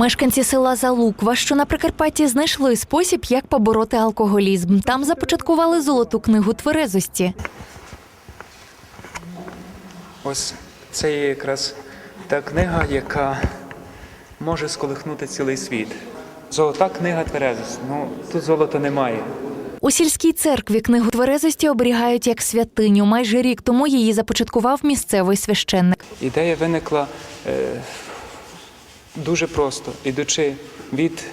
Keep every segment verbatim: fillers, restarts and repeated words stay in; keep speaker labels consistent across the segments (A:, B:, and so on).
A: Мешканці села Залуква, що на Прикарпатті, знайшли спосіб, як побороти алкоголізм. Там започаткували золоту книгу тверезості.
B: Ось це є якраз та книга, яка може сколихнути цілий світ. Золота книга тверезості. Ну, тут золота немає.
A: У сільській церкві книгу тверезості оберігають як святиню. Майже рік тому її започаткував місцевий священник.
B: Ідея виникла е, дуже просто, ідучи від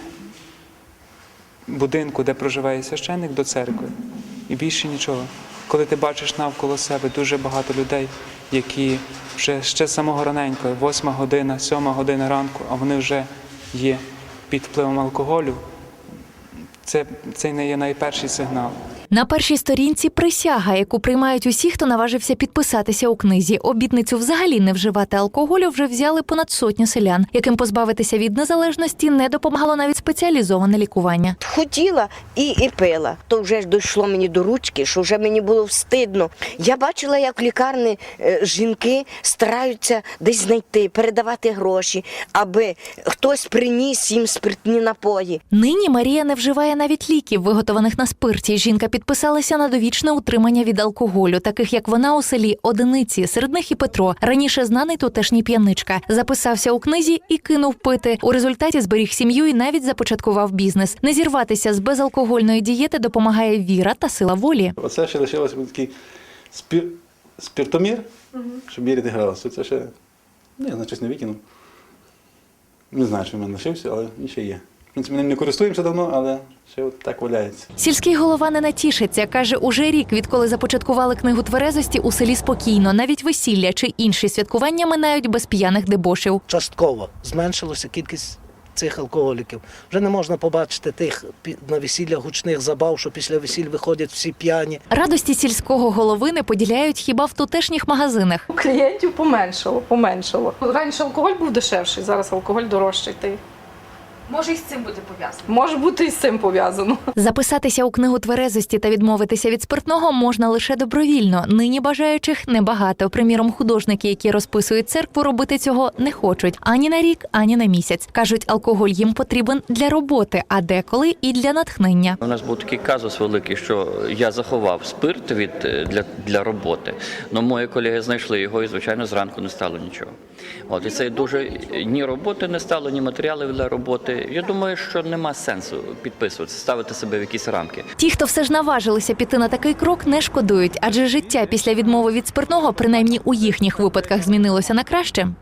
B: будинку, де проживає священник, до церкви. І більше нічого. Коли ти бачиш навколо себе дуже багато людей, які вже ще з самого раненько, восьма година, сьома година ранку, а вони вже є під впливом алкоголю, це, це не є найперший сигнал.
A: На першій сторінці присяга, яку приймають усі, хто наважився підписатися у книзі. Обітницю взагалі не вживати алкоголю вже взяли понад сотню селян, яким позбавитися від незалежності не допомагало навіть спеціалізоване лікування.
C: Хотіла і, і пила. То вже ж дійшло мені до ручки, що вже мені було встидно. Я бачила, як в лікарні е, жінки стараються десь знайти, передавати гроші, аби хтось приніс їм спиртні напої.
A: Нині Марія не вживає навіть ліків, виготованих на спирті. Жінка підписалася на довічне утримання від алкоголю, таких як вона у селі одиниці, серед них і Петро, раніше знаний тутешній п'яничка. Записався у книзі і кинув пити. У результаті зберіг сім'ю і навіть започаткував бізнес. Не зірватися з безалкогольної дієти допомагає віра та сила волі.
D: Оце ще лишилося такий спір... спіртомір, угу. Щоб міряти градус. Це ще, не знаю, щось не викинув. Не знаю, що в мене лишився, але він ще є. В принципі, ми ним не користуємося давно, але ще от так валяється.
A: Сільський голова не натішиться. Каже, уже рік, відколи започаткували книгу тверезості, у селі спокійно. Навіть весілля чи інші святкування минають без п'яних дебошів.
E: Частково зменшилася кількість цих алкоголіків. Вже не можна побачити тих на весіллях гучних забав, що після весіль виходять всі п'яні.
A: Радості сільського голови не поділяють хіба в тутешніх магазинах.
F: Клієнтів поменшало, поменшало. Раніше алкоголь був дешевший, зараз алкоголь дорожчий.
G: Може, і з цим бути пов'язано?
F: Може бути і з цим пов'язано.
A: Записатися у книгу тверезості та відмовитися від спиртного можна лише добровільно. Нині бажаючих небагато. Приміром, художники, які розписують церкву, робити цього не хочуть. Ані на рік, ані на місяць. Кажуть, алкоголь їм потрібен для роботи, а деколи і для натхнення.
H: У нас був такий казус великий, що я заховав спирт від, для, для роботи. Но мої колеги знайшли його і, звичайно, зранку не стало нічого. От, і це дуже ні роботи не стало, ні матеріалів для роботи. Я думаю, що нема сенсу підписуватися, ставити себе в якісь рамки.
A: Ті, хто все ж наважилися піти на такий крок, не шкодують, адже життя після відмови від спиртного, принаймні у їхніх випадках, змінилося на краще.